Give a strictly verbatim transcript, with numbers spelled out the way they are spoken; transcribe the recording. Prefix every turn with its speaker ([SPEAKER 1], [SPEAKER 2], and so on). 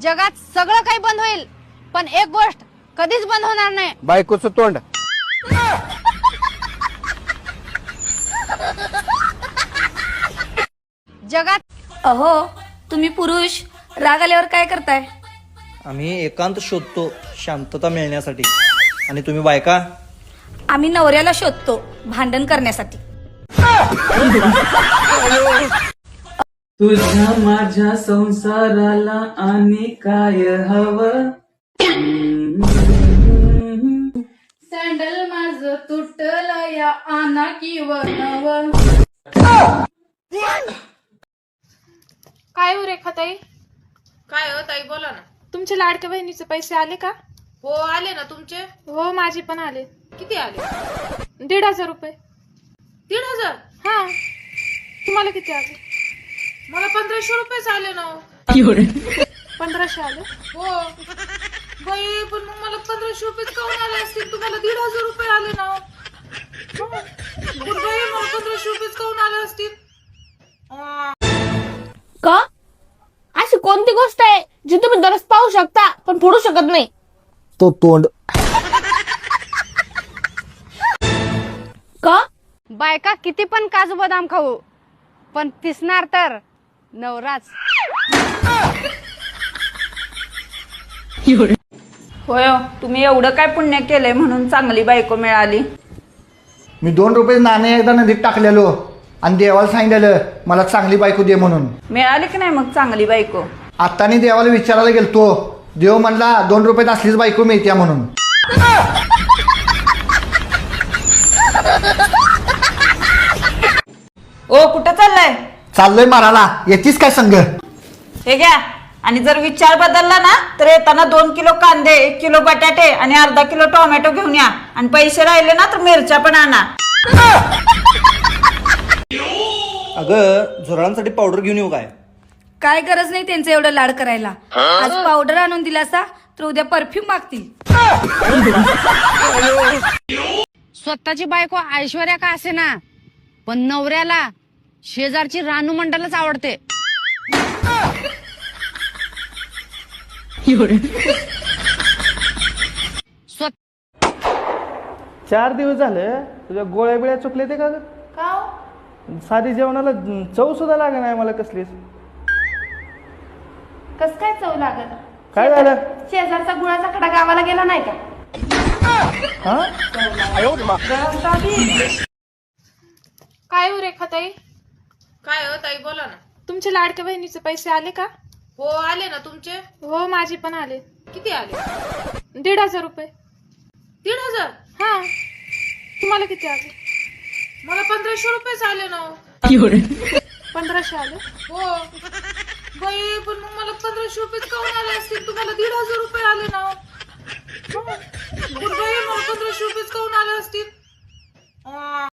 [SPEAKER 1] जगात सगळं काही बंद होईल पण एक गोष्ट कधीच बंद होणार नाही,
[SPEAKER 2] बायकोचं तोंड.
[SPEAKER 1] जगात.
[SPEAKER 3] अहो तुम्ही पुरुष राग आल्यावर काय करताय?
[SPEAKER 4] आम्ही एकांत शोधतो शांतता मिळण्यासाठी, आणि तुम्ही बायका
[SPEAKER 3] आम्ही नवऱ्याला शोधतो भांडण करण्यासाठी.
[SPEAKER 5] तुझ्या माझ्या संसाराला आणि काय हवं?
[SPEAKER 6] सँडल माझ तुटलं या आना किंवा नव.
[SPEAKER 7] काय हो रेखाताई?
[SPEAKER 8] काय हो ताई, बोला ना.
[SPEAKER 7] तुमचे लाडक्या बहिणीचे पैसे आले का?
[SPEAKER 8] हो आले ना. तुमचे?
[SPEAKER 7] हो माझे पण आले.
[SPEAKER 8] किती आले?
[SPEAKER 7] दीड हजार रुपये.
[SPEAKER 8] दीड हजार?
[SPEAKER 7] हा, तुम्हाला किती आले?
[SPEAKER 8] मला पंधराशे रुपयेच आले ना.
[SPEAKER 7] पंधराशे आले?
[SPEAKER 8] हो बाई, पण मग मला पंधराशे रुपयेच काऊन आले असतील? तुम्हाला दीड हजार रुपये आले ना. पण बाई, मला पंधराशे रुपयेच काऊन आले असतील?
[SPEAKER 9] का? अशी कोणती गोष्ट आहे जी तुम्ही दररोज पाहू शकता पण फोडू शकत नाही?
[SPEAKER 4] तो तोंड.
[SPEAKER 9] का?
[SPEAKER 1] बायका किती पण काजू बदाम खाऊ पण पिसणार तर नवराच.
[SPEAKER 3] होय, तुम्ही एवढं काय पुण्य केलंय म्हणून चांगली बायको मिळाली.
[SPEAKER 4] मी दोन रुपये नाणे एकदा नदीत टाकलेलो आणि देवाला सांगितलेलं मला चांगली बायको दे म्हणून.
[SPEAKER 3] मिळाली की नाही मग चांगली बायको?
[SPEAKER 4] आत्तानी देवाला विचारायला गेलतो, देव म्हणला दोन रुपयात असलीच बायको मिळत्या म्हणून.
[SPEAKER 3] ओ कुठं चाललाय?
[SPEAKER 4] चाललोय मारायला, येतीस काय संघ?
[SPEAKER 3] हे घ्या, आणि जर विचार बदलला ना तर येताना दोन किलो कांदे, एक किलो बटाटे आणि अर्धा किलो टोमॅटो घेऊन या, आणि पैसे राहिले ना तर मिरच्या पण आणा.
[SPEAKER 4] अगं झुरळांसाठी पावडर घेऊन येऊ काय?
[SPEAKER 3] काय गरज नाही त्यांचं एवढं लाड करायला. आज पावडर आणून दिलासा तर उद्या परफ्यूम मागतील.
[SPEAKER 1] स्वतःची बायको ऐश्वर्या का असे ना पण नवऱ्याला शेजारची रानू मंडलच आवडते.
[SPEAKER 5] चार दिवस झालं तुझ्या गोळ्या बिळ्या चुकले ते का ग? साधी जेवणाला चव सुद्धा लागे नाही मला कसलीच.
[SPEAKER 6] कस काय चव लागत?
[SPEAKER 5] काय झालं?
[SPEAKER 6] शेजारचा गुळाचा खडा गावाला गेला नाही का?
[SPEAKER 5] हा?
[SPEAKER 7] काय हो रेखाताई?
[SPEAKER 8] काय हो ताई, बोला ना.
[SPEAKER 7] तुमचे लाडक्या बहिणीचे पैसे आले का?
[SPEAKER 8] हो आले ना. तुमचे?
[SPEAKER 7] हो माझे पण आले.
[SPEAKER 8] किती आले?
[SPEAKER 7] दीड हजार रुपये.
[SPEAKER 8] दीड हजार?
[SPEAKER 7] हा, तुम्हाला किती आले?
[SPEAKER 8] मला पंधराशे रुपयेच आले ना.
[SPEAKER 7] पंधराशे आले?
[SPEAKER 8] हो बाई, पण मग मला पंधराशे रुपयेच काऊन आले असतील? तुम्हाला दीड हजार रुपये आले ना. पण बाई, मला पंधराशे रुपयेच काऊन आले असतील?